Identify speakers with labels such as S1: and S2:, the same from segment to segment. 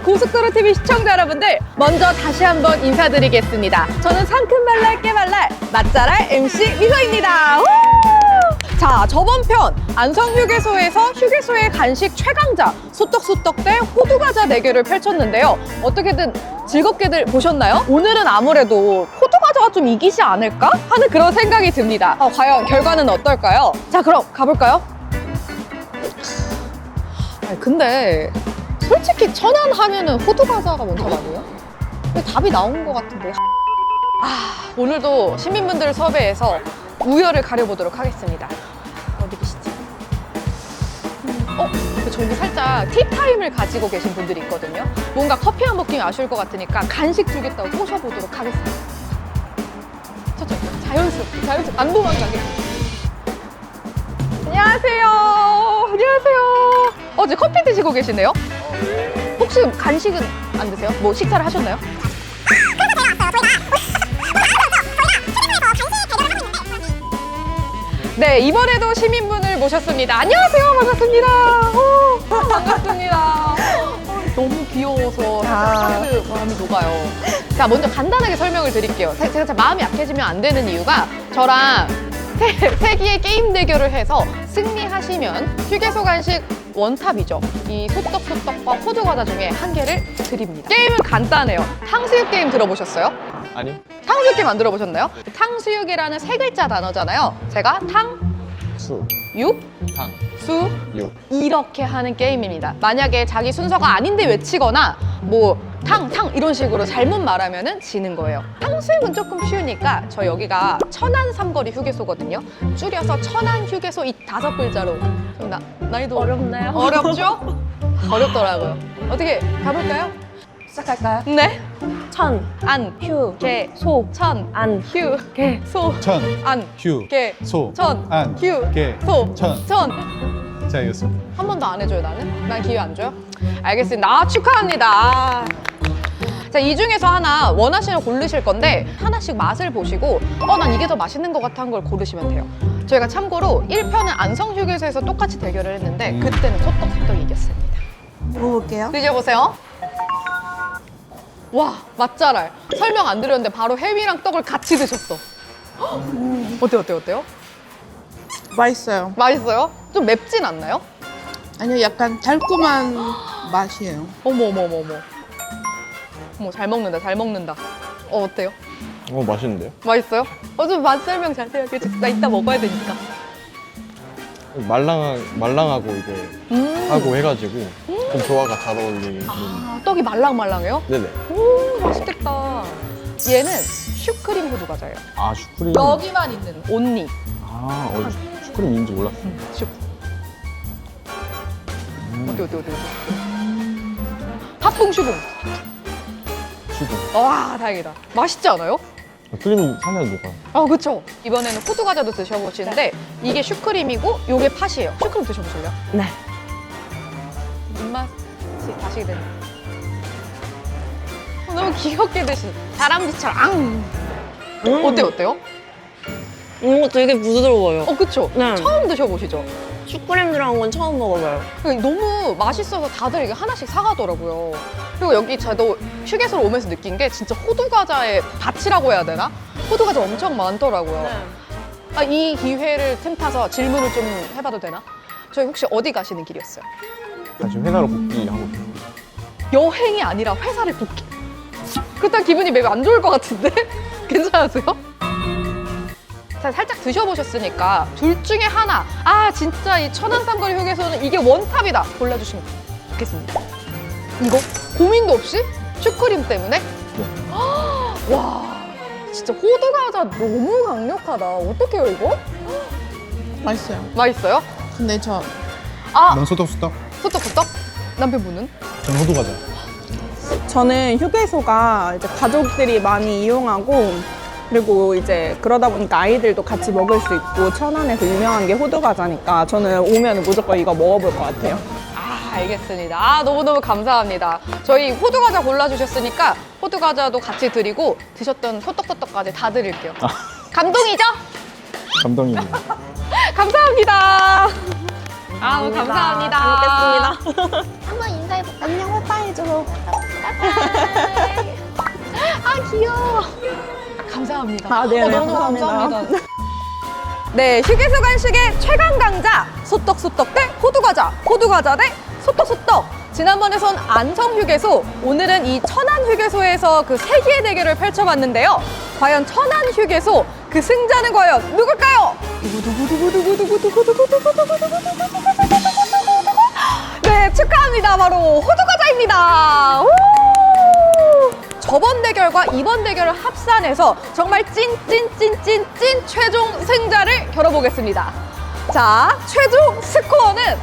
S1: 고속도로 TV 시청자 여러분들, 먼저 다시 한번 인사드리겠습니다. 저는 상큼발랄 깨발랄 맛잘알 MC 미소입니다. 우! 자, 저번 편 안성휴게소에서 휴게소의 간식 최강자 소떡소떡 대 호두과자 대결을 펼쳤는데요. 어떻게든 즐겁게들 보셨나요? 오늘은 아무래도 호두과자가 좀 이기지 않을까 하는 그런 생각이 듭니다. 과연 결과는 어떨까요? 자, 그럼 가볼까요? 근데 솔직히 천안 하면은 호두과자가 먼저 아니에요? 근데 답이 나온 것 같은데. 오늘도 시민분들을 섭외해서 우열을 가려보도록 하겠습니다. 어디 계시지? 저기 살짝 티타임을 가지고 계신 분들이 있거든요. 뭔가 커피 한 모금 아쉬울 것 같으니까 간식 주겠다고 꼬셔보도록 하겠습니다. 저쪽 자연스럽게 안 도망가게. 안녕하세요. 안녕하세요. 어제 커피 드시고 계시네요? 혹시 간식은 안 드세요? 뭐 식사를 하셨나요? 네, 이번에도 시민분을 모셨습니다. 안녕하세요. 반갑습니다. 반갑습니다. 너무 귀여워서 살짝 마음이 녹아요. 자, 먼저 간단하게 설명을 드릴게요. 제가 마음이 약해지면 안 되는 이유가 저랑 세기의 게임 대결을 해서 승리하시면 휴게소 간식 원탑이죠. 이 소떡소떡과 호두과자 중에 한 개를 드립니다. 게임은 간단해요. 탕수육 게임 들어보셨어요?
S2: 아니요.
S1: 탕수육 게임 안 들어보셨나요? 탕수육이라는 세 글자 단어잖아요. 제가
S2: 수,
S1: 육,
S2: 탕,
S1: 수,
S2: 육.
S1: 이렇게 하는 게임입니다. 만약에 자기 순서가 아닌데 외치거나 뭐 탕 이런 식으로 잘못 말하면은 지는 거예요. 탕수육은 조금 쉬우니까 저 여기가 천안 삼거리 휴게소거든요. 줄여서 천안 휴게소 이 5글자로 좀 난이도
S3: 어렵나요?
S1: 어렵죠? 어렵더라고요. 어떻게 가볼까요?
S3: 시작할까요?
S1: 네.
S3: 천,
S1: 안,
S3: 휴,
S1: 개,
S3: 소,
S1: 천,
S3: 안,
S1: 휴, 개, 소,
S4: 천,
S1: 안,
S4: 휴,
S1: 개,
S4: 소,
S1: 천,
S4: 안,
S1: 휴,
S4: 개,
S1: 소,
S4: 천. 자, 이겼습니다.
S1: 한 번도 안 해줘요, 나는? 난 기회 안 줘요? 알겠습니다. 축하합니다. 자, 이 중에서 하나 원하시는 거 고르실 건데 하나씩 맛을 보시고 난 이게 더 맛있는 것 같아 한 걸 고르시면 돼요. 저희가 참고로 1편은 안성휴게소에서 똑같이 대결을 했는데 그때는 소떡소떡이 이겼습니다.
S3: 먹어볼게요.
S1: 드셔보세요. 와, 맛잘알. 설명 안 드렸는데 바로 햄이랑 떡을 같이 드셨어. 어때요?
S5: 맛있어요.
S1: 맛있어요? 좀 맵진 않나요?
S5: 아니요, 약간 달콤한 맛이에요.
S1: 어머. 어머, 잘 먹는다. 어때요?
S2: 맛있는데요?
S1: 맛있어요? 좀 맛 설명 자세히 해줘. 나 이따 먹어야 되니까.
S2: 말랑하고 이게 하고 해가지고 좀 조화가 잘 어울리는.
S1: 떡이 말랑말랑해요?
S2: 네네.
S1: 오, 맛있겠다. 얘는 슈크림 호두과자예요.
S2: 슈크림.
S1: 여기만 있는 온리.
S2: 슈크림인지 몰랐어요.
S1: 슈. 어디. 팥붕 슈붕.
S2: 슈크.
S1: 와, 다행이다. 맛있지 않아요?
S2: 크림이 살살 녹아요.
S1: 그쵸. 이번에는 호두과자도 드셔보시는데 이게 슈크림이고 요게 팥이에요. 슈크림 드셔보실래요?
S3: 네.
S1: 입맛이 다시게 되네. 너무 귀엽게 드시. 다람쥐처럼. 어때요?
S3: 되게 부드러워요.
S1: 그쵸?
S3: 네.
S1: 처음 드셔보시죠?
S3: 슈크림 들어간 건 처음 먹어봐요.
S1: 너무 맛있어서 다들 이게 하나씩 사가더라고요. 그리고 여기 저도 휴게소로 오면서 느낀 게 진짜 호두과자의 밭이라고 해야 되나? 호두과자 엄청 많더라고요. 이 기회를 틈타서 질문을 좀 해봐도 되나? 저희 혹시 어디 가시는 길이었어요?
S2: 지금 회사로 복귀하고 있어요.
S1: 여행이 아니라 회사를 복귀. 그렇다면 기분이 매우 안 좋을 것 같은데? 괜찮으세요? 자, 살짝 드셔보셨으니까 둘 중에 하나, 진짜 이 천안 삼거리 휴게소는 이게 원탑이다 골라주시면 좋겠습니다. 이거? 고민도 없이? 슈크림 때문에? 와, 진짜 호두과자 너무 강력하다. 어떡해요, 이거?
S5: 맛있어요.
S1: 맛있어요?
S5: 근데 저
S4: 넌 소떡소떡,
S1: 소떡소떡? 남편분은?
S4: 전 호두과자.
S6: 저는 휴게소가 이제 가족들이 많이 이용하고 그리고 이제 그러다 보니까 아이들도 같이 먹을 수 있고 천안에서 유명한 게 호두과자니까 저는 오면 무조건 이거 먹어볼 것 같아요.
S1: 알겠습니다. 너무너무 감사합니다. 저희 호두과자 골라주셨으니까 호두과자도 같이 드리고 드셨던 소떡소떡까지 다 드릴게요. 감동이죠?
S2: 감동입니다.
S1: 감사합니다. 감사합니다.
S3: 잘 먹겠습니다.
S5: 한번 인사해볼까? 안녕, 오빠 해줘.
S1: 귀여워. 감사합니다.
S6: 아, 네네.
S1: 너무
S6: 감사합니다.
S1: 감사합니다. 네, 휴게소 간식의 최강 강자 소떡소떡 대 호두과자, 호두과자 대 소떡소떡. 지난번에선 안성휴게소, 오늘은 이 천안휴게소에서 그 세기의 대결을 펼쳐봤는데요. 과연 천안휴게소 그 승자는 과연 누굴까요? 네, 축하합니다. 바로 호두과자입니다. 우! 저번 대결과 이번 대결을 합산해서 정말 찐 최종 승자를 겨뤄보겠습니다. 자, 최종 스코어는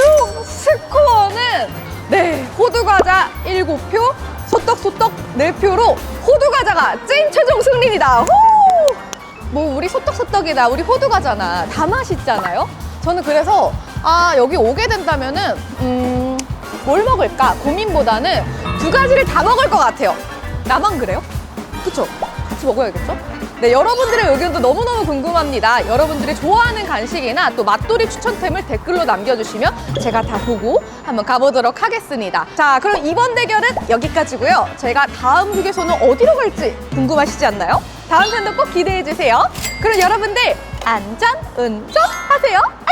S1: 네, 호두과자 7표, 소떡소떡 4표로 호두과자가 찐 최종 승리입니다. 후! 뭐 우리 소떡소떡이다, 우리 호두과자나 다 맛있잖아요. 저는 그래서 여기 오게 된다면은 뭘 먹을까 고민보다는 두 가지를 다 먹을 것 같아요. 나만 그래요? 그쵸? 같이 먹어야겠죠? 네, 여러분들의 의견도 너무너무 궁금합니다. 여러분들이 좋아하는 간식이나 또 맛돌이 추천템을 댓글로 남겨주시면 제가 다 보고 한번 가보도록 하겠습니다. 자, 그럼 이번 대결은 여기까지고요. 저희가 다음 휴게소는 어디로 갈지 궁금하시지 않나요? 다음 편도 꼭 기대해주세요. 그럼 여러분들 안전 운전하세요.